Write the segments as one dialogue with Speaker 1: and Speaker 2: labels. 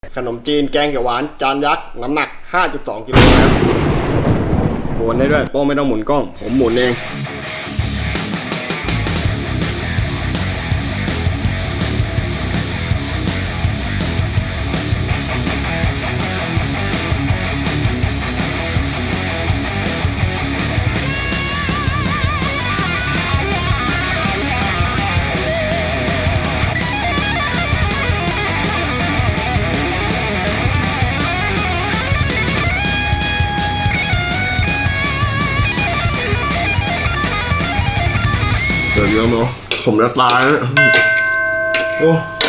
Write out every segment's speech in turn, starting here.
Speaker 1: ขนมจีนแกงเขียวหวานจานยักษ์น้ำหนัก 5.2 กิโลนะครับหมุนได้ด้วยโป้ไม่ต้องหมุนกล้องผมหมุนเองเดี๋ยวเยอะเนาะผมจะตายแล้วโอ้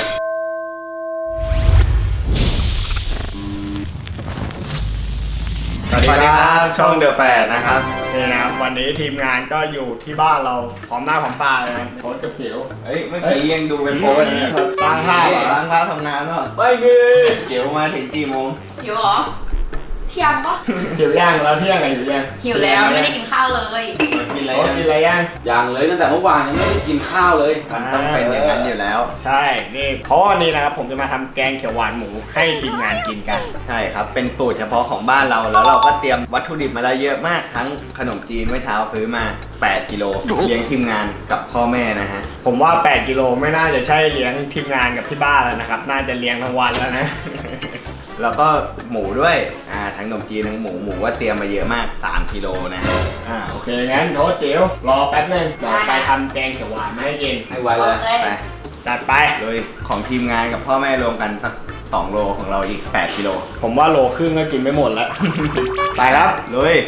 Speaker 1: สวัสดีครับช่องเดอะแฟร์นะครับนี่นะครับวันนี้ทีมงานก็อยู่ที่บ้านเราพร้อมหน้าพร้อมตาเลยโค้ชกับจิ๋ว
Speaker 2: เฮ้ยเมื่อกี้ยังดูเป็นโพสนะ
Speaker 1: ตั้งท่า
Speaker 2: ล้างเท้าทำงานเนาะ
Speaker 1: ไม่มี
Speaker 2: เดี๋ยวมาถึงกี่โมง
Speaker 3: หิวเหรอเที่ยงปะ
Speaker 1: หิวย่างแล้วเที่ยงไงหิวย่าง
Speaker 3: หิวแล้วไม่ได้กินข้าวเลย
Speaker 2: กินอะไร
Speaker 1: โค้ชกินอะไรย่าง
Speaker 4: อย่างเลยตั้งแต่เมื่อวานยังไม่ได้กินข้าวเลย
Speaker 2: มันต้องเป็นอย่างนั้นอยู่แล้ว
Speaker 1: ใช่นี่เพราะวันนี้นะครับผมจะมาทำแกงเขียวหวานหมูให้ทีมงานกินกัน
Speaker 2: ใช่ครับเป็นสูตรเฉพาะของบ้านเราแล้วเราก็เตรียมวัตถุดิบมาแล้วเยอะมากทั้งขนมจีนเมื่อเช้าซื้อมา8 กิโลเลี้ยงทีมงานกับพ่อแม่นะฮะ
Speaker 1: ผมว่า8 กิโลไม่น่าจะใช่เลี้ยงทีมงานกับที่บ้านแล้วนะครับน่าจะเลี้ยงทั้งวันแล้วนะ
Speaker 2: แล้วก็หมูด้วยทั้งขนมจีนทั้งหมูว่าเตรียมมาเยอะมาก3 กิโลนะ
Speaker 1: โอเคงั้นโทษจิ๋วรอแป๊บนึงเดี๋ยวไปทำแกงเขียวหวานมาให้กิน
Speaker 4: ให้ไว
Speaker 3: โอ
Speaker 4: เลย
Speaker 3: เค
Speaker 2: ไป
Speaker 1: จัดไป
Speaker 2: โดยของทีมงานกับพ่อแม่รวมกันสัก2 โลของเราอีก8 กิโล
Speaker 1: ผมว่าโลครึ่งก็กินไม่หมดแล้ว ไปครับ
Speaker 2: ลุย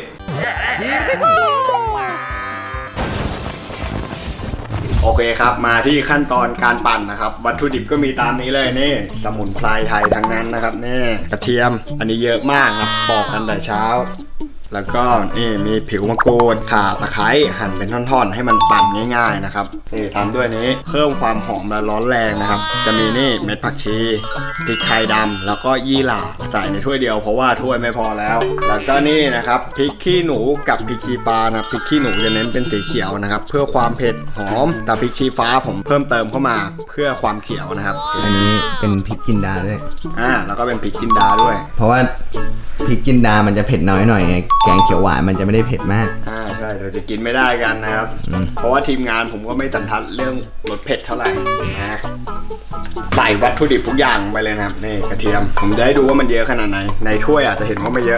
Speaker 1: โอเคครับมาที่ขั้นตอนการปั่นนะครับวัตถุดิบก็มีตามนี้เลยนี่สมุนไพรไทยทั้งนั้นนะครับนี่กระเทียมอันนี้เยอะมากครับปอกกันแต่เช้า แล้วก็นี่มีผิวมะกรูดข่าตะไคร้หั่นเป็นท่อนๆให้มันปั่นง่ายๆนะครับนี่ทำด้วยนี้เพิ่มความหอมและร้อนแรงนะครับจะมีนี่เม็ดผักชีพริกไทยดำแล้วก็ยี่หร่าใส่ในถ้วยเดียวเพราะว่าถ้วยไม่พอแล้วแล้วก็นี่นะครับพริกขี้หนูกับพริกชี้ฟ้านะพริกขี้หนูจะเน้นเป็นสีเขียวนะครับเพื่อความเผ็ดหอมแต่พริกชี้ฟ้าผมเพิ่มเติมเข้ามาเพื่อความเขียวนะครับ
Speaker 2: อันนี้เป็นพริกจินดาด้วย
Speaker 1: แล้วก็เป็นพริกจินดาด้วย
Speaker 2: เพราะว่าพริกจินดามันจะเผ็ดน้อยหน่อยไงแกงเขียวหวานมันจะไม่ได้เผ็ดมาก
Speaker 1: ใช่เดี๋ยวจะกินไม่ได้กันนะครับ เพราะว่าทีมงานผมก็ไม่ตันทัดเรื่องรสเผ็ดเท่าไหร่นะใส่วัตถุดิบทุกอย่างไปเลยนะครับนี่กระเทียมผมจะให้ดูว่ามันเยอะขนาดไหนในถ้วยอาจจะเห็นว่าไม่เยอะ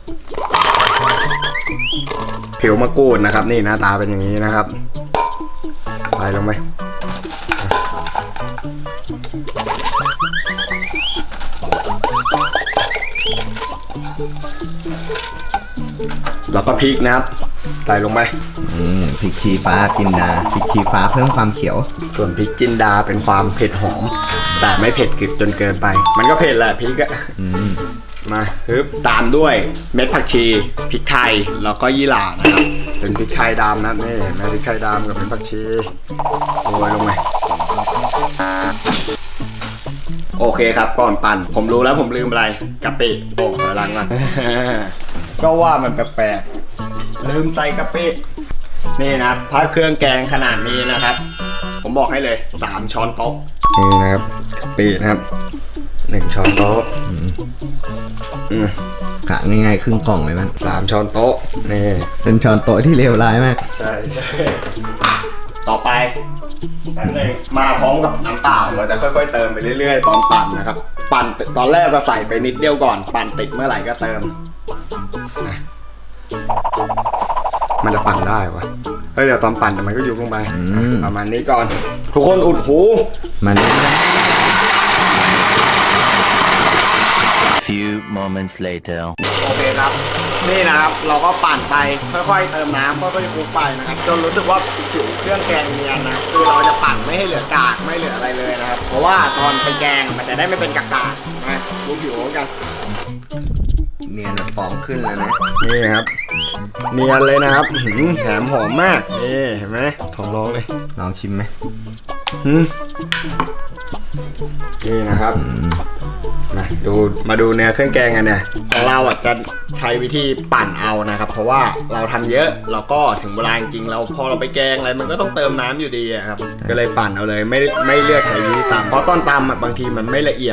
Speaker 1: ผิวมะกรูดนะครับนี่หน้าตาเป็นอย่างนี้นะครับใส่ลงไปแล้วก็พริกนะครับใส่ลงไป
Speaker 2: พริกชี้ฟ้าจินดาพริกชี้ฟ้าเพิ่มความเขียว
Speaker 1: ส่วนพริกจินดาเป็นความเผ็ดหอมแต่ไม่เผ็ดกึดจนเกินไปมันก็เผ็ดแหละพริกอะมาปึ๊บตามด้วยเม็ดผักชีพริกไทยแล้วก็ยี่หร่านะครับเป็นพริกไทยดำนะนี่เห็นไหมพริกไทยดำกับเม็ดผักชีโรยลงไปโอเคครับก่อนปั่นผมรู้แล้วผมลืมอะไรกะปิโอ้ถอยหลังก่อน ก็ว่ามันแปลกๆลืมใส่กะปินี่นะถ้าเครื่องแกงขนาดนี้นะครับผมบอกให้เลย3 ช้อนโต๊ะนี่นะครับกะปินะครับ1 ช้อนโต๊ะ
Speaker 2: กะง่ายๆครึ่งกล่องเลยมัน
Speaker 1: 3 ช้อนโต๊ะนี่
Speaker 2: เป็นช้อนโต๊ะที่เลวร้ายมาก
Speaker 1: ใช่ต่อไปนั่นเลยมาพร้อมกับน้ำเปล่าเราจะค่อยๆเติมไปเรื่อยๆตอนปั่นนะครับปั่นตอนแรกก็ใส่ไปนิดเดียวก่อนปั่นติดเมื่อไหร่ก็เติมมันจะปั่นได้วะเดี๋ยวตอนปั่นมันก็ยุบลงไปประมาณนี้ก่อนทุกคนอุดหู
Speaker 2: มัน
Speaker 5: Few moments later
Speaker 1: โอเคครับนี่นะครับเราก็ปั่นไปค่อยๆเติมน้ำค่อยๆคลุกไปนะครับจนรู้สึกว่าผิวเครื่องแกงเนียนนะคือเราจะปั่นไม่ให้เหลือกากไม่เหลืออะไรเลยนะครับเพราะว่าตอนไปแกงมันจะได้ไม่เป็นกากๆนะดูผิวกัน
Speaker 2: เนียนแบบฟองขึ้นแล้วนะ
Speaker 1: นี่ครับเนียนเลยนะครับแถมหอมมากนี่เห็นไหมท้องร้องเลย
Speaker 2: ลองชิมไหม
Speaker 1: นี่นะครับมาดูเนื้อเครื่องแกงกันเนี่ยของเราจะใช้วิธีปั่นเอานะครับเพราะว่าเราทำเยอะแล้วก็ถึงเวลาจริงเราพอเราไปแกงอะไรมันก็ต้องเติมน้ำอยู่ดีครับก็เลยปั่นเอาเลยไม่เลือกใช้วิธีตำเพราะตอนตำบางทีมันไม่ละเอียด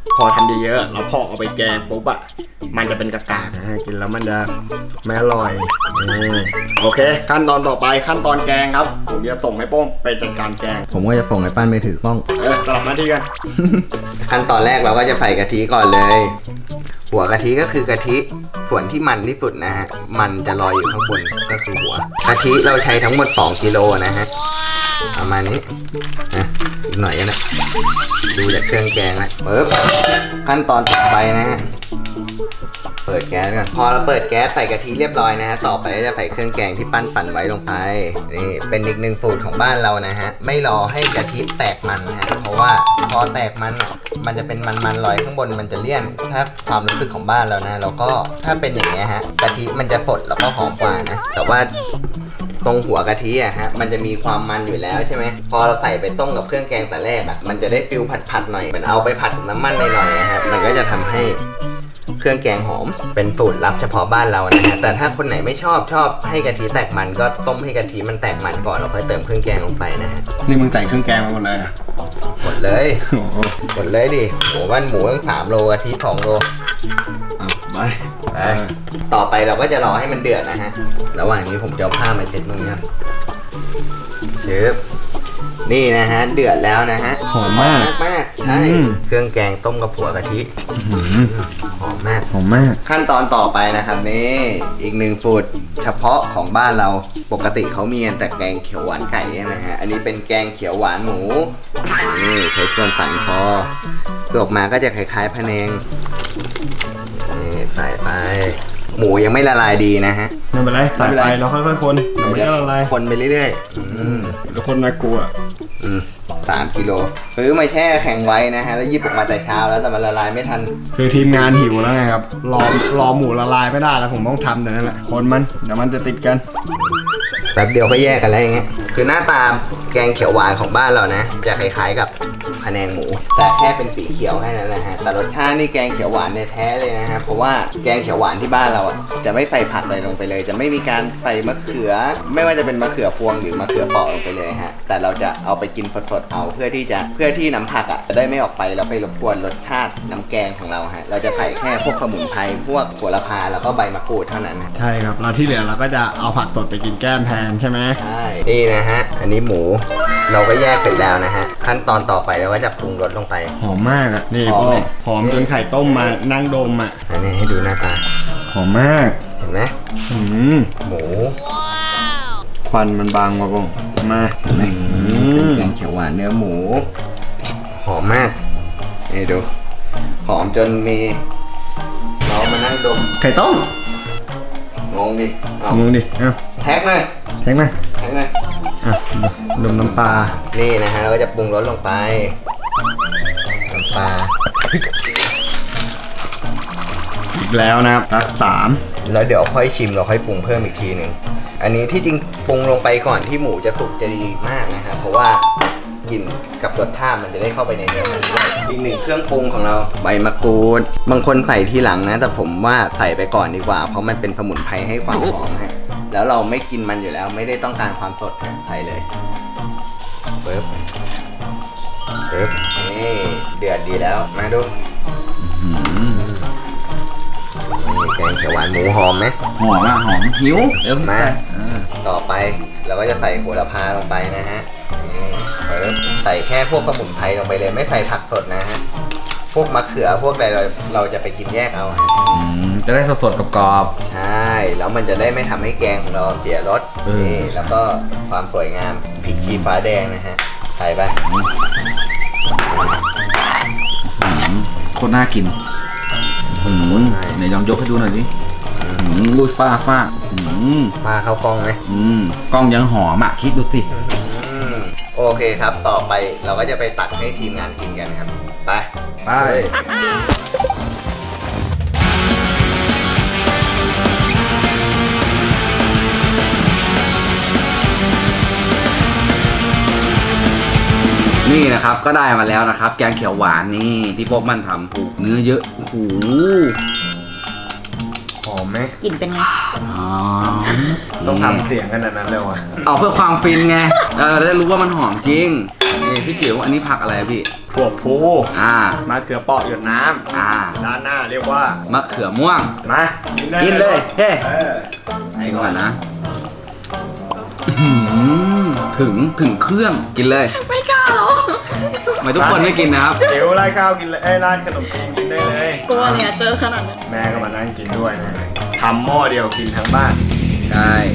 Speaker 1: พอทำเยอะๆแล้วพอเอาไปแกงปุ๊บอะมันจะเป็นกากๆนะกินแล้วมันจะไม่อร่อยโอเคขั้นตอนต่อไปขั้นตอนแกงครับผมจะส่งให้โป้งไปจัดการแกง
Speaker 2: ผมก็จะส่งให้ปั้นไปถือกล้อง
Speaker 1: กลับมาที่กัน
Speaker 2: ขั้นตอนแรกเราก็จะใส่กะทิก่อนเลย หัวกะทิก็คือกะทิส่วนที่มันที่สุดนะฮะมันจะลอยอยู่ข้างบนก็คือหัวกะทิเราใช้ทั้งหมด2 กิโลนะฮะประมาณนี้อีกหน่อยก็ได้ดูจากเครื่องแกงแล้วปึ๊บขั้นตอนต่อไปนะฮะเปิดแก๊สก่อนพอเราเปิดแก๊สใส่กะทิเรียบร้อยนะฮะต่อไปก็จะใส่เครื่องแกงที่ปั้นปั่นไว้ลงไปนี่เป็นอีกหนึ่งสูตรของบ้านเรานะฮะไม่รอให้กะทิแตกมันฮะเพราะว่าพอแตกมันอ่ะมันจะเป็นมันลอยข้างบนมันจะเลี่ยนถ้าความรู้สึกของบ้านเรานะแล้วก็ถ้าเป็นอย่างเงี้ยฮะกะทิมันจะสดแล้วก็หอมกว่านะแต่ว่าตรงหัวกะทิอะฮะมันจะมีความมันอยู่แล้วใช่ไหมพอเราใส่ไปต้มกับเครื่องแกงแต่แรกอะมันจะได้ฟิลผัดหน่อยเหมือนเอาไปผัดกับน้ำมันหน่อยๆนะฮะมันก็จะทำให้เครื่องแกงหอมเป็นสูตรลับเฉพาะบ้านเรานะฮะแต่ถ้าคนไหนไม่ชอบให้กะทิแตกมันก็ต้มให้กะทิมันแตกมันก่อนแล้วค่อยเติมเครื่องแกงลงไปนะฮะ
Speaker 1: นี่มึงใส่เครื่องแกงมาหมดเลย
Speaker 2: หมดเลยหมดเลยดิหมูบ้านหมูตั้ง3 โลกะทิ2 โล
Speaker 1: ไป
Speaker 2: ไปต่อไปเราก็จะรอให้มันเดือดนะฮะระหว่างนี้ผมจะเอาผ้ามาเช็ดตรงนี้ครับเชฟนี่นะฮะเดือดแล้วนะฮะ
Speaker 1: หอมมาก
Speaker 2: มากใช่เครื่องแกงต้มกับหัวกะทิหอมมาก
Speaker 1: หอมมาก
Speaker 2: ขั้นตอนต่อไปนะครับนี่อีกหนึ่งสูตรเฉพาะของบ้านเราปกติเขามีแต่แกงเขียวหวานไก่ใช่ไหมฮะอันนี้เป็นแกงเขียวหวานหมูนี่ใช้ส่วนสันคอตัวออกมาก็จะคล้ายๆพะแนงนี่ใส่ไปหมูยังไม่ละลายดีนะฮะ
Speaker 1: ไม่เป็นไรใส่ไปแล้วค่อยๆคนเดี๋ยวมันจะละลาย
Speaker 2: คนไปเรื่อยๆ
Speaker 1: แล้วคนน่ากลัว
Speaker 2: 3 กิโลซื้อมาแช่แข็งไว้นะฮะแล้วหยิบออกมาแต่เช้าแล้วแต่มันละลายไม่ทัน
Speaker 1: คือทีมงานหิวแล้วไงครับรอหมูละลายไม่ได้แล้วผมต้องทำแต่นั่นแหละคนมันเดี๋ยวมันจะติดกัน
Speaker 2: แป๊บเดียวก็แยกกันแล้วอย่างเงี้ยคือหน้าตาแกงเขียวหวานของบ้านเรานะจะคล้ายๆกับพะแนงหมูแต่แค่เป็นสีเขียวแค่นั้นแหละฮะแต่รสชาตินี่แกงเขียวหวานแท้เลยนะฮะเพราะว่าแกงเขียวหวานที่บ้านเราอ่ะจะไม่ใส่ผักอะไรลงไปเลย จะไม่มีการใส่มะเขือ ไม่ว่าจะเป็นมะเขือพวงหรือมะเขือเปราะลงไปเลยฮะแต่เราจะเอาไปกินสดๆเอาเพื่อที่น้ำผักอ่ะจะได้ไม่ออกไปแล้วไปรบกวนรสชาติน้ำแกงของเราฮะเราจะใส่แค่พวกสมุนไพรพวกโหระพาแล้วก็ใบมะกรูดเท่านั้นนะ
Speaker 1: ใช่ครับเราที่เหลือเราก็จะเอาผักสดไปกินแก้มแทนใช่ไหม
Speaker 2: ใช่นี่นะฮะอันนี้หมูเราก็แยกเสร็จแล้วนะฮะขั้นตอนต่อไปเราก็จะปรุงรสลงไป
Speaker 1: หอมมากอ่ะนี่
Speaker 2: หอม
Speaker 1: พ่อ
Speaker 2: ไหม
Speaker 1: หอมจนไข่ต้มมานั่งดมอ่ะ
Speaker 2: อันนี้ให้ดูหน้าตา
Speaker 1: หอมมาก
Speaker 2: เห็นไหม หมู
Speaker 1: ควันมันบางมาบ้งมา
Speaker 2: เห็นไหมแกงเขียวหวานเนื้อหมู หอมมากนี่ดูหอมจนมีเรามานั่งดม
Speaker 1: ไข่ต้ม
Speaker 2: งงดิเอา
Speaker 1: งงดิเอ้า
Speaker 2: แท็กเลย
Speaker 1: แทงมา
Speaker 2: แท็กเลย
Speaker 1: อ่ะดมน้ำปลา
Speaker 2: นี่นะฮะเราก็จะปรุงรสลงไปน้ำปลา
Speaker 1: อีกแล้วนะครับสัก3
Speaker 2: แล้วเดี๋ยวค่อยชิมเราค่อยปรุงเพิ่มอีกทีหนึ่งอันนี้ที่จริงปรุงลงไปก่อนที่หมูจะสุกจะดีมากนะครับเพราะว่ากลิ่นกับรสชาติมันจะได้เข้าไปในเนื้อมันด้วยอีกหนึ่งเครื่องปรุงของเราใบมะกรูดบางคนใส่ทีหลังนะแต่ผมว่าใส่ไปก่อนดีกว่าเพราะมันเป็นสมุนไพรให้ความหอมฮะแล้วเราไม่กินมันอยู่แล้วไม่ได้ต้องการความสดฮะใส่เลยปึ๊บนี่เดือดดีแล้วมาดูนี่แกงเขียวหวานหมูหอมไหม
Speaker 4: หอมอ่ะหอมหิวเดี๋ยว
Speaker 2: มา
Speaker 4: อ่า
Speaker 2: ต่อไปเราก็จะใส่โหระพาลงไปนะฮะนี่ใส่แค่พวกสมุนไพรลงไปเลยไม่ใส่ผักสดนะฮะพวกมะเขือพวกอะไรเราจะไปกินแยกเอาฮะ
Speaker 4: จะได้สดๆกรอบ
Speaker 2: ใช่แล้วมันจะได้ไม่ทำให้แกงของเราเสียรสนี่แล้วก็ความสวยงามพริกชี้ฟ้าแดงนะฮะใส่ไป
Speaker 4: ๆโคตรน่ากินไหนลองยกให้ดูหน่อยดิลุยฟ้า
Speaker 2: มาเข้ากล้องไหม
Speaker 4: กล้องยังหอมอ่ะคิดดูสิ
Speaker 2: โอเคครับต่อไปเราก็จะไปตักให้ทีมงานกินกันครับไป
Speaker 4: ไป นี่นะครับก็ได้มาแล้วนะครับ แกงเขียวหวานนี่ที่พวกมันทำผูกเนื้อเยอะโอ้โห
Speaker 1: หอมไหม
Speaker 3: กลิ่นเป็นไง
Speaker 1: ต้องทำเสียงขนาดนั้นเลยวะ
Speaker 4: เอาเพื่อความฟินไงเราจะรู้ว่ามันหอมจริงนี่พี่จิ๋วอันนี้ผักอะไรอะพี่
Speaker 1: ถั่วพู
Speaker 4: มะ
Speaker 1: เขือเปราะหยดน้
Speaker 4: อ่า
Speaker 1: ำด้านหน้าเรียกว่าม
Speaker 4: ะเขือม่วง
Speaker 1: มากิ
Speaker 4: กินเลยเฮ้
Speaker 1: เออ
Speaker 4: ชิมก่อนนะถึงเครื่องกินเลย
Speaker 3: ไม่กล้าหรอก
Speaker 4: ไม่ทุกคนไม่กินนะครับ
Speaker 1: เดี๋ยวราดข้าวกินเลยราดขนมจีนกินได้เลย
Speaker 3: กลัวเนี่ยเจอขนาดนั้น
Speaker 1: แม่ก็มานั่งกินด้วยนะทำหม้อเดียวกินทั้งบ้าน
Speaker 4: ใช่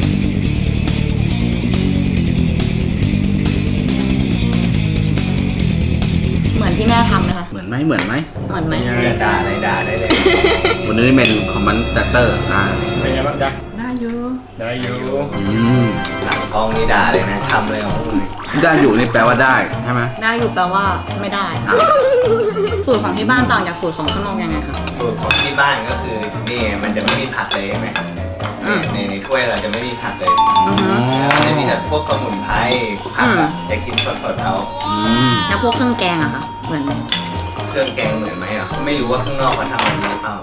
Speaker 3: เหมือนที่แม่ทำนะคะ
Speaker 4: เหมือนไหมเหมือนไหม
Speaker 3: เหมือนไหม
Speaker 2: จะด่าอะไรด่าได้เลย
Speaker 4: วันนี้เป็นคอมมานด์เตอร์นะ
Speaker 1: เป็นไงบ้างจ๊ะ
Speaker 3: น่าอยู่
Speaker 1: ได้อยู่
Speaker 2: หลังกล้องนี่ด่าเลยนะทำเลยของมึง
Speaker 4: ได้อยู่นี่แปลว่าได้ใช่ไหม
Speaker 3: ได้อยู่แปลว่าไม่ได้ สูตรของที่บ้านต่างจากสูตรของข้างนอกยังไงคะ
Speaker 2: สูตรของที่บ้านก็คือนี่มันจะไม่มีผักเลยใช่ไหมในถ้วยเราจะไม่มีผักเลย
Speaker 3: อือฮึ
Speaker 2: จะมีแต่พวกสมุนไพรผักอะจะกินสดๆเอา
Speaker 3: แล้วพวกเครื่องแกงอะคะเหมือนไหม
Speaker 2: เครื่องแกงเหมือนไหมอ่ะไม่รู้ว่าข้างนอกเขาทำแบบนี้หรือเปล่า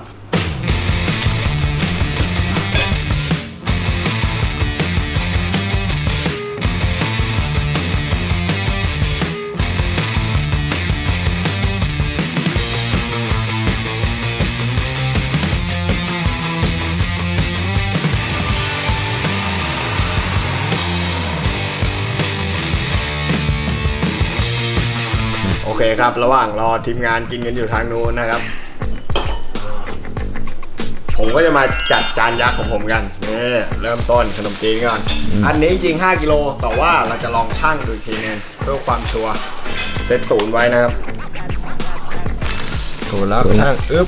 Speaker 1: โอเคครับ ระหว่างรอทีมงานกินกันอยู่ทางนู้นนะครับ ผมก็จะมาจัดจานยักษ์ของผมกันนี่เริ่มต้นขนมจีนก่อน อันนี้จริง5 กิโลแต่ว่าเราจะลองชั่งดูอีกทีนึงเพื่อความชัวร์เซตศูนย์ไว้นะครับถูกแล้วชั่งอึ๊บ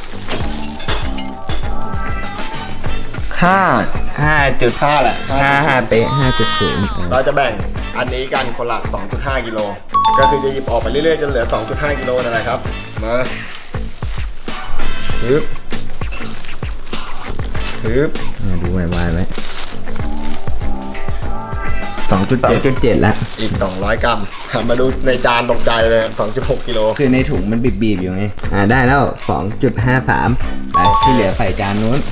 Speaker 1: 5.5แหละ
Speaker 2: 5 เป๊ะ 5.0
Speaker 1: เราจะแบ่งอันนี้กันคนละ 2.5 กิโลก็คือจะหยิบออกไปเรื่อยๆจนเหลือ 2.5 กิโลนั่นแหละครับมาฮึบ
Speaker 2: ดูไวๆไว้
Speaker 1: 2.7
Speaker 2: แล้ว
Speaker 1: อีก 200 กรัมมาดูในจานตกใจเลย 2.6 กิโล
Speaker 2: คือในถุงมันบีบๆอยู่ไงได้แล้ว 2.53ไปที่เหลือใส่จานนู้น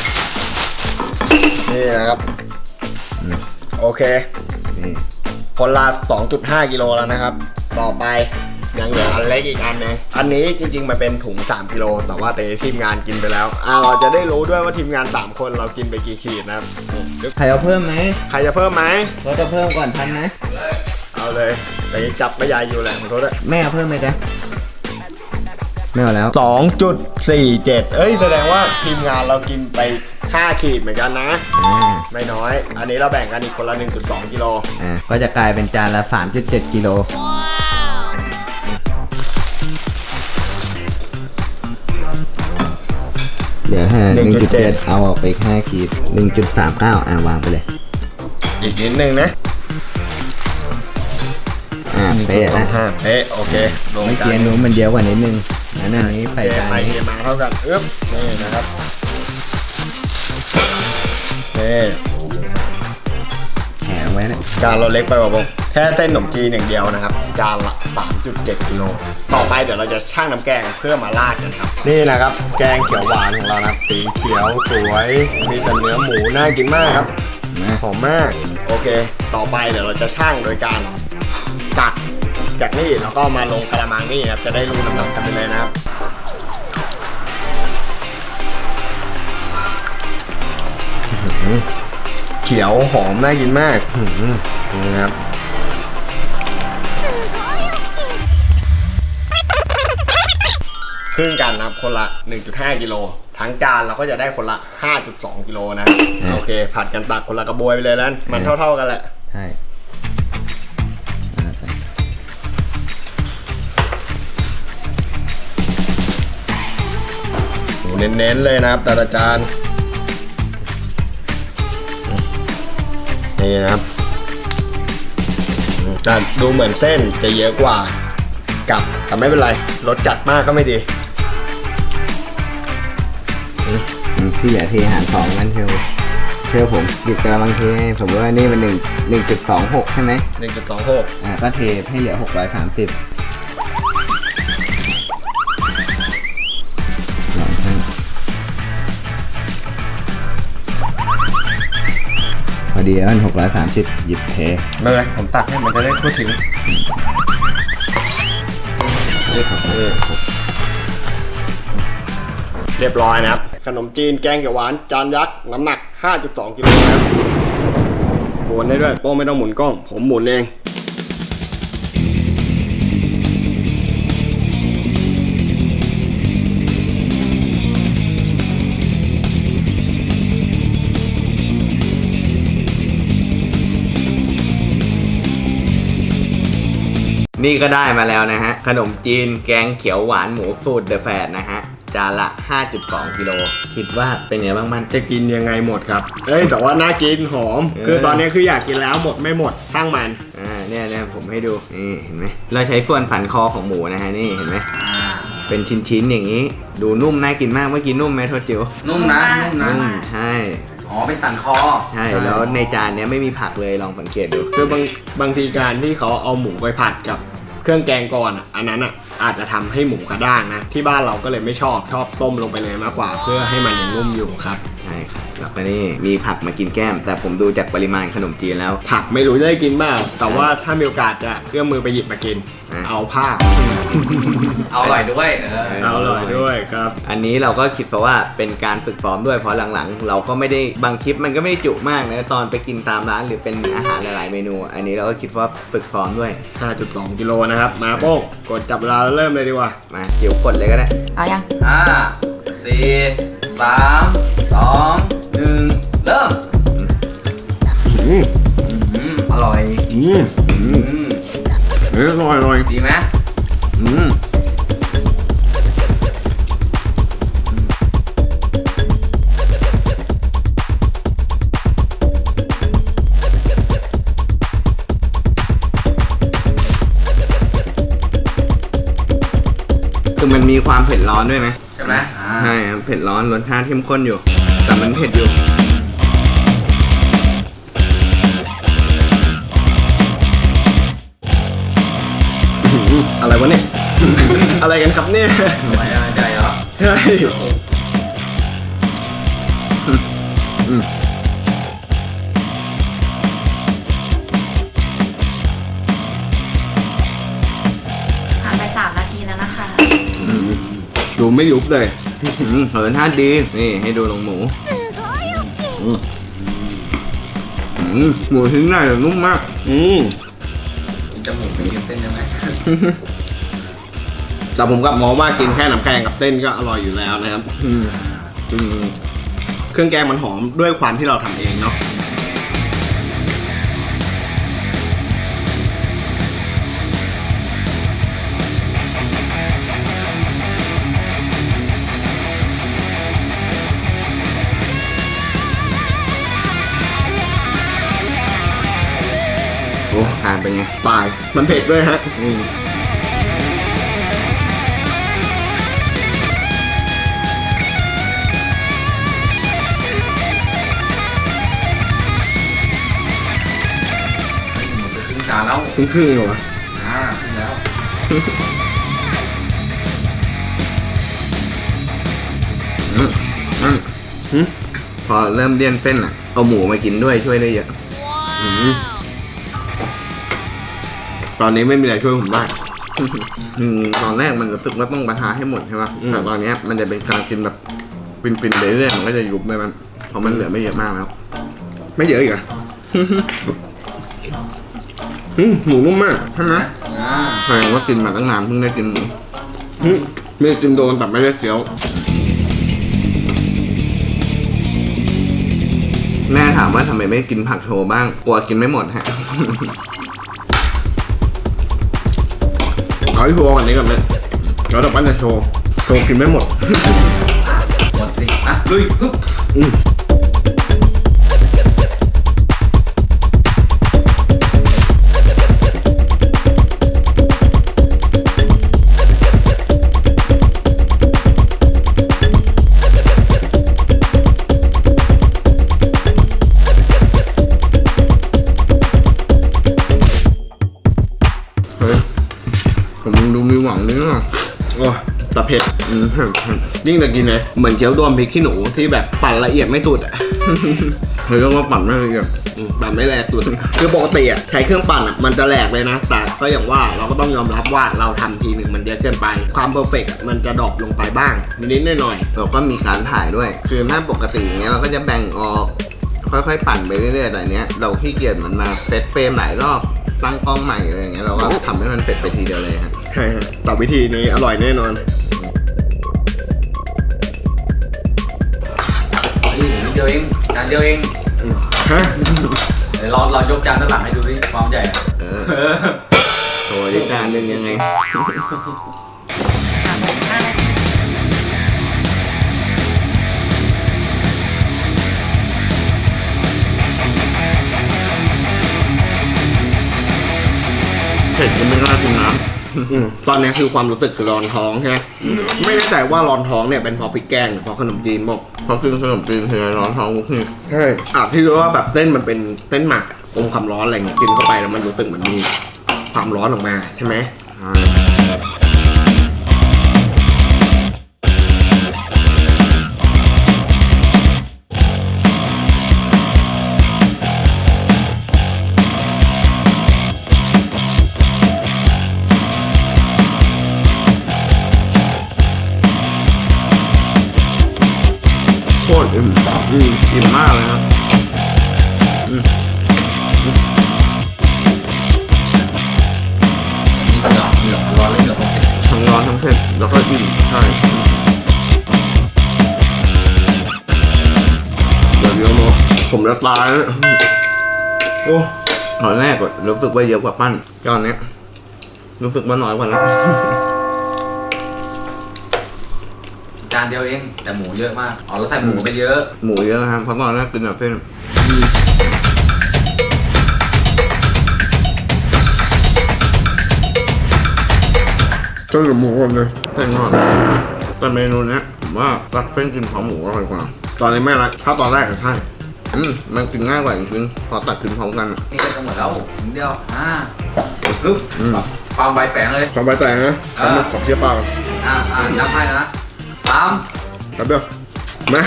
Speaker 1: นี่นะครับ โอเค
Speaker 2: นี่
Speaker 1: คนละ 2.5 กิโลแล้วนะครับ ต่อไปยังเหลืออันเล็กอีกอันนึงอันนี้จริงๆมันเป็นถุง 3 กิโลแต่ว่าทีมงานกินไปแล้วเราจะได้รู้ด้วยว่าทีมงาน 3 คนเรากินไปกี่ขีดนะครับนี่
Speaker 2: ใครเอาเพิ่มไหม
Speaker 1: ใครจะเพิ่มไหม
Speaker 2: เราจะเพิ่มก่อนทันไหม
Speaker 1: เอาเลยแต่ยังจับไม่ยายอยู่แหละขอโทษด้วย
Speaker 2: แม่เอาเพิ่มไหมจ๊ะไม่เอาแล้ว
Speaker 1: 2.47 เอ้ยแสดงว่าทีมงานเรากินไป 5 ขีดเหมือนกันนะ ไม่น้อย อันนี้เราแบ่งกันอีกคนละ 1.2 กิโล
Speaker 2: ก็จะกลายเป็นจานละ 3.7 กิโลเดี๋ยว1.7 เอาออกไปอีก5 ขีด 1.39 วางไปเลย
Speaker 1: อีกนิดนึงนะ
Speaker 2: เป๊ะแล้ว
Speaker 1: เป๊ะโอเคลง
Speaker 2: เมื่อ
Speaker 1: กั
Speaker 2: กี้
Speaker 1: น
Speaker 2: นู้นมันเยอะกว่านิดนึงอันนี้ใส่
Speaker 1: เท
Speaker 2: จาน
Speaker 1: ไป
Speaker 2: นี้
Speaker 1: เทมาเท่ากันอึ๊บนี่นะครับนี่
Speaker 2: แถมไว้นะ
Speaker 1: จานเราเล็กไปป่ะผมแค่เส้นขนมจีนอย่างเดียวนะครับ จานละ 3.7 กิโล ต่อไปเดี๋ยวเราจะชั่งน้ำแกงเพื่อมาราดกันครับ นี่นะครับ แกงเขียวหวานของเรานะครับสีเขียวสวย มีแต่เนื้อหมูน่ากินมากครับ หอมมาก โอเค ต่อไปเดี๋ยวเราจะชั่งโดยการตักจากนี่แล้วก็มาลงกระมังนี่ครับ จะได้รู้น้ำหนักกันไปเลยนะครับ เขียวหอมน่ากินมากนี่ครับ ครึ่งกันนะครับคนละ 1.5 กิโล ทั้งจานเราก็จะได้คนละ 5.2 กิโลนะ โอเค ผัดกันตักคนละกระบวยไปเลยนั้นมันเท่าๆกันแหละ
Speaker 2: ใช่
Speaker 1: เน้นๆเลยนะครับแต่ละจานนี่นะครับแต่ดูเหมือนเส้นจะเยอะกว่ากับแต่ไม่เป็นไรรสจัดมากก็ไม่ดี
Speaker 2: พี่อย่าเทหาร2กันเชียวผมหยิบกระมังเทให้สมมติว่านี่มัน1.26 ใช่ไหม
Speaker 1: 1.26
Speaker 2: ก็เทให้เหลือ630ลองให้พอดีแล้วมัน630หยิบเท
Speaker 1: เลยผมตักให้มันจะได้ทั่วถึงเรียบร้อยนะครับขนมจีนแกงเขียวหวานจานยักษ์น้ำหนัก 5.2 กิโลนะครับหมุนได้ด้วยโป้ไม่ต้องหมุนกล้องผมหมุนเอง
Speaker 2: นี่ก็ได้มาแล้วนะฮะขนมจีนแกงเขียวหวานหมูสูตรเดอะแฟดนะฮะจานละ 5.2 กิโลคิดว่าเป็นไงบ้างมัน
Speaker 1: จะกินยังไงหมดครับเอ้ยแต่ว่าน่ากินหอม คือตอนนี้คืออยากกินแล้วหมดไม่หมดช่างมัน
Speaker 2: เนี่ยผมให้ดูนี่เห็นไหมเราใช้ส่วนฝันคอของหมูนะฮะนี่เห็นไหมเป็นชิ้นๆอย่างนี้ ดูนุ่มน่ากินมากเมื่อกี้นุ่มไหมโทษจิ๋ว
Speaker 4: นุ่มนะนุ่มนะ
Speaker 2: นุ่มใช่
Speaker 4: อ๋อเป็นสันคอ
Speaker 2: ใช่แล้วในจานเนี้ยไม่มีผักเลยลองสังเกตดู
Speaker 1: คือบางทีการที่เขาเอาหมูไปผัดกับเครื่องแกงก่อนอันนั้นอ่ะอาจจะทำให้หมูกระด้างนะที่บ้านเราก็เลยไม่ชอบต้มลงไปเลยมากกว่า เพื่อให้มันยังนุ่มอยู่ครับ
Speaker 2: ใช่ครับแล้วก็นี่มีผักมากินแก้ม แต่ผมดูจากปริมาณขนมจีนแล้ว
Speaker 1: ผักไม่รู้จะได้กินบ้างแต่ว่าถ้ามีโอกาสจะเอื้อมมือไปหยิบมากิน
Speaker 2: อ่ะ
Speaker 1: เอาผ้า
Speaker 4: เอาอร่อยด้วย
Speaker 1: เอาอร่อยด้วยครับ
Speaker 2: อันนี้เราก็คิดเพราะว่าเป็นการฝึกซ้อมด้วยเพราะหลังๆ เราก็ไม่ได้บางคลิปมันก็ไม่ได้จุมากนะตอนไปกินตามร้านหรือเป็นอาหารหลายๆเมนู อันนี้เราก็คิดว่าฝึกซ้อมด้วย
Speaker 1: 5.2 กิโลนะครับมาโป้งกดจับเวลาเริ่มเลยดีกว่า
Speaker 2: มาเกี่ยวกดเลยก็ได้
Speaker 3: เอายัง
Speaker 4: 5 4 3 2 1 เริ่มอร่อย
Speaker 1: อร่อย
Speaker 4: ดีไหม
Speaker 2: คือมันมีความเผ็ดร้อนด้วยไหม
Speaker 4: ใช่ไหม
Speaker 2: ใช่ครับเผ็ดร้อนรสชาติเข้มข้นอยู่ แต่มันเผ็ดอยู่
Speaker 1: อะไรวะเนี่ย อะไรกันครับเนี่ย
Speaker 4: ทำไมใหญ่เหรอ
Speaker 1: ใช่
Speaker 3: ผ่านไป3 นาทีแล้วนะคะ
Speaker 1: ดูไม่ยุบเลย
Speaker 2: รสชาติดีนี่ให้ดูลงหมูหมูชิ้นใหญ่แต่นุ่มมาก
Speaker 4: กินจมูกไปกินเส้นได้ไหม
Speaker 1: แต่ผมก็มองว่ากินแค่น้ำแกงกับเส้นก็อร่อยอยู่แล้วนะครับเครื่องแกงมันหอมด้วยความที่เราทำเองเนาะ
Speaker 2: โอ้ทานเป็นไง
Speaker 1: ตายมันเผ็ดด้วยฮะ
Speaker 4: ครึ่งจานแล้ว
Speaker 1: ครึ่งๆเหรอ
Speaker 4: ครึ่งแล้ว
Speaker 2: พอเริ่มเลี่ยนเส้นอ่ะเอาหมูมากินด้วยช่วยได้เยอะ
Speaker 1: ตอนนี้ไม่มีอะไรช่วยผมได้
Speaker 2: ตอนแรกมันรู้สึกว่าต้องประทาให้หมดใช่ป่ะแต่ตอนเนี้ยมันจะเป็นการกินแบบฟินๆเรื่อยๆมันก็จะยุบไปมันเพราะมันเหลือไม่เยอะมากแล้ว
Speaker 1: ไม่เยอะอีกเหรอ หมูนุ่มมากใช่ไหม
Speaker 2: แสดงว่ากินมาตั้งนานเพิ่งได้กินหมู
Speaker 1: ไม่ได้กินโดนแต่ไม่ได้เคี้ยว
Speaker 2: แม่ถามว่าทำไมไม่กินผักโชว์บ้างกลัวกินไม่หมดฮะ
Speaker 1: เอาที่โชว์กันนี้ก่อนเลยแล้วต่อไปจะโชว์กินไม่หมด
Speaker 4: หมดสิลุยปึ๊บ
Speaker 2: เฮ้ยผมดูมีหวังนิดหน่อย
Speaker 1: โอ้แต่เผ็ด
Speaker 2: เผ็ด
Speaker 1: ยิ่งแต่กินเลยเหมือนเคี้ยวโดนพริกขี้หนูที่แบบปั่นละเอียดไม่สุดอ่ะ
Speaker 2: เฮ้ยเรียกว่าปั่นไม่ละเอียด
Speaker 1: ปั่นไม่แหลกตุนคือปกติอ่ะใช้เครื่องปั่นอ่ะมันจะแหลกเลยนะแต่ก็อย่างว่าเราก็ต้องยอมรับว่าเราทำทีหนึ่งมันเยอะเกินไปความเพอร์เฟกต์มันจะดรอปลงไปบ้างนิดๆหน่อย
Speaker 2: เราก็มีการถ่ายด้วย คือถ้าปกติอย่างเงี้ยเราก็จะแบ่งออกค่อยๆปั่นไปเรื่อยๆแต่เนี้ยเราขี้เกียจมันมาเซตเฟรมหลายรอบตั้งกล้องใหม่อะไรอย่างเงี้ยเราก็ทำให้มันเสร็จไปทีเดียวเลยฮะ
Speaker 1: ๆใช่ฮะแต่วิธีนี้อร่อยแน่นอน
Speaker 4: นี่นิดเดียวเองจานเดียวเอง
Speaker 1: ฮะ
Speaker 4: เดี๋ยวเรายกจานด้านหลังให้ดูดิความใหญ่อะ
Speaker 2: โชว์ดิจานหนึ่งยังไง เผ็ดก็ไม่น่ากินน้ำ
Speaker 1: ตอนนี้คือความรู้สึกคือร้อนท้องใช่ไหมไม่แน่ใจว่าร้อนท้องเนี่ยเป็นเพราะพริกแกงหรือเพราะขนมจีนบอก
Speaker 2: เพราะกินขนมจีนคือร้อนท้องทุกที
Speaker 1: ใช่ที่รู้ว่าแบบเส้นมันเป็นเส้นหมักอมความร้อนอะไรเงี้ยกินเข้าไปแล้วมันรู้สึกเหมือนมีความร้อนออกมาใช่ไหม
Speaker 2: โคตรอิ่มอิ่มมากเลยครับ
Speaker 4: นี่เหลือร้อนเลยเหลือ
Speaker 2: ทั้งร้อนทั้งเผ็ดแล้วก็อิ่มใช่เดี๋ยวเดี๋ยวเนาะผมจะตายแล้วโอ้ตอนแรกอะรู้สึกว่าเยอะกว่าปั้นตอนเนี้ยรู้สึกว่าน้อยกว่าแล้ว
Speaker 4: จานเดียวเองแต่หมูเยอะมากอ๋อเราใส่หมูไปเยอะ
Speaker 2: หมูเยอะครับเพราะตอนแรกกินแบบเส้นก็กับหมูก่อนเลยเส้นก่อนแต่เมนูเนี้ยผมว่าตัดเส้นกินพร้อมหมูอร่อยกว่า
Speaker 1: ตอนนี้ไม่ละถ้าตอนแรกอะใช่
Speaker 2: มันกินง่ายกว่าจริงๆพอตัดกินพร้อมกันอะ
Speaker 4: นี่ก็จะหมดแล้วนิดเดียวปึ๊บความใบแฝงเลย
Speaker 1: ความใบแตงนะทำมันขอบเทียบปาก
Speaker 4: นับให้นะ3
Speaker 1: ครับเดี๋ยวมา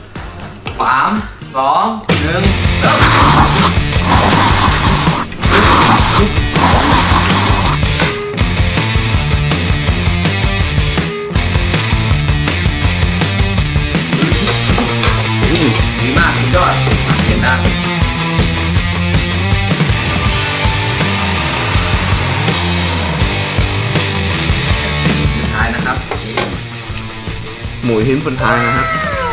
Speaker 4: 3 2 1เริ่มดีมากสุดยอดเห็นนะสุดท้ายนะครับ
Speaker 2: หมูชิ้นสุดท้ายนะฮะ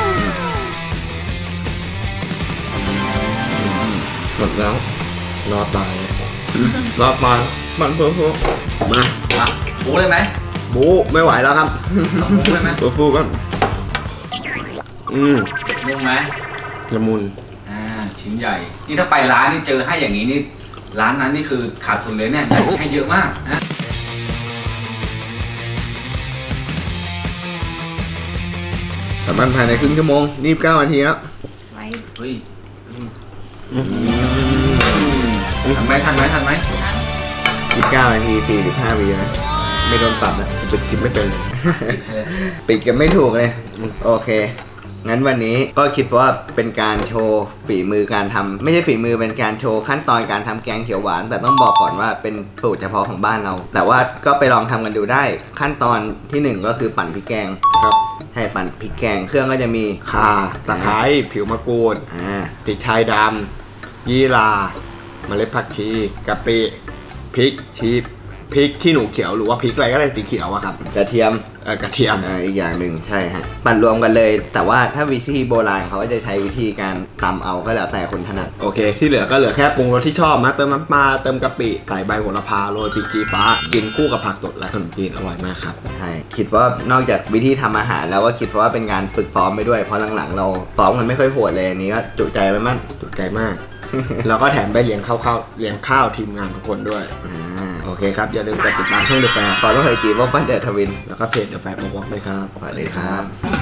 Speaker 2: หมดแล้ว
Speaker 1: รอดตาย
Speaker 2: รอบมามันเพิ่ม
Speaker 1: มา
Speaker 4: มาบูเลยไหม
Speaker 1: บูไม่ไหวแล้วครับ
Speaker 4: ต้องบูเลยไหม
Speaker 2: ตัวฟูกัน
Speaker 4: นุ่มไหม
Speaker 1: ละมุน
Speaker 4: ชิ้นใหญ่ นี่ถ้าไปร้านนี่เจอให้อย่างนี้นี่ร้านนั้นนี่คือขาดทุนเลยเนี่ยอยากให้เยอะมากนะ
Speaker 2: สามารถภายในครึ่งชั่วโมง29 นาทีครับ
Speaker 4: เฮ้ยทันไหมทันไหมทันไหม
Speaker 2: 29 นาที45 วินะ
Speaker 1: ไม่โดนตัดนะปิดชิปไม่เป็นเลย
Speaker 2: ปิดกันไม่ถูกเลย โอเค งั้นวันนี้ก็คิดว่าเป็นการโชว์ฝีมือการทำไม่ใช่ฝีมือเป็นการโชว์ขั้นตอนการทำแกงเขียวหวาน แต่ต้องบอกก่อนว่าเป็นสูตรเฉพาะของบ้านเรา แต่ว่าก็ไปลองทำกันดูได้ ขั้นตอนที่ 1 ก็คือปั่นพริกแกง
Speaker 1: ครับ
Speaker 2: ให้ปั่นพริกแกงเครื่องก็จะมี
Speaker 1: ข่าตะไคร้ผิวมะกรูด พริกไทยดำยี่ราเมล็ดผักชีกะปิพริกชีพริกขี้หนูเขียวหรือว่าพริกอะไรก็ได้สีเขียวอะครับ
Speaker 2: กระเทียม
Speaker 1: กระเทียม
Speaker 2: อีกอย่างหนึ่งใช่ฮะปั่นรวมกันเลย แต่ว่าถ้าวิธีโบราณเขาก็จะใช้วิธีการตำเอาก็แล้วแต่คนถนัด
Speaker 1: โอเค ที่เหลือก็เหลือแค่ปรุงรสที่ชอบมาเติมน้ำปลาเติมกะปิใส่ใบโหระพาโรยพริกชี้ฟ้ากินคู่กับผักสดและขนมจีนอร่อยมากครับ
Speaker 2: ใช่คิดว่านอกจากวิธีทำอาหารแล้วก็คิดว่าเป็นการฝึกซ้อมไปด้วยเพราะหลังๆเราซ้อมกันไม่ค่อยโหดเลยอันนี้ก็จุใจไปมั่น
Speaker 1: จุใจมาก แล้วก็แถมไปเลี้ยงข้าวทีมงานทุกคนด้วย โอเคครับ อย่าลืมกดติดตามช่องเดอะแฟร์
Speaker 2: ขอต้องเคยจีบว่าปั้นเดอะทวิน
Speaker 1: แล้วก็เพจเดอะแฟร์บอกด้วยครับ
Speaker 2: สวัสดีครับ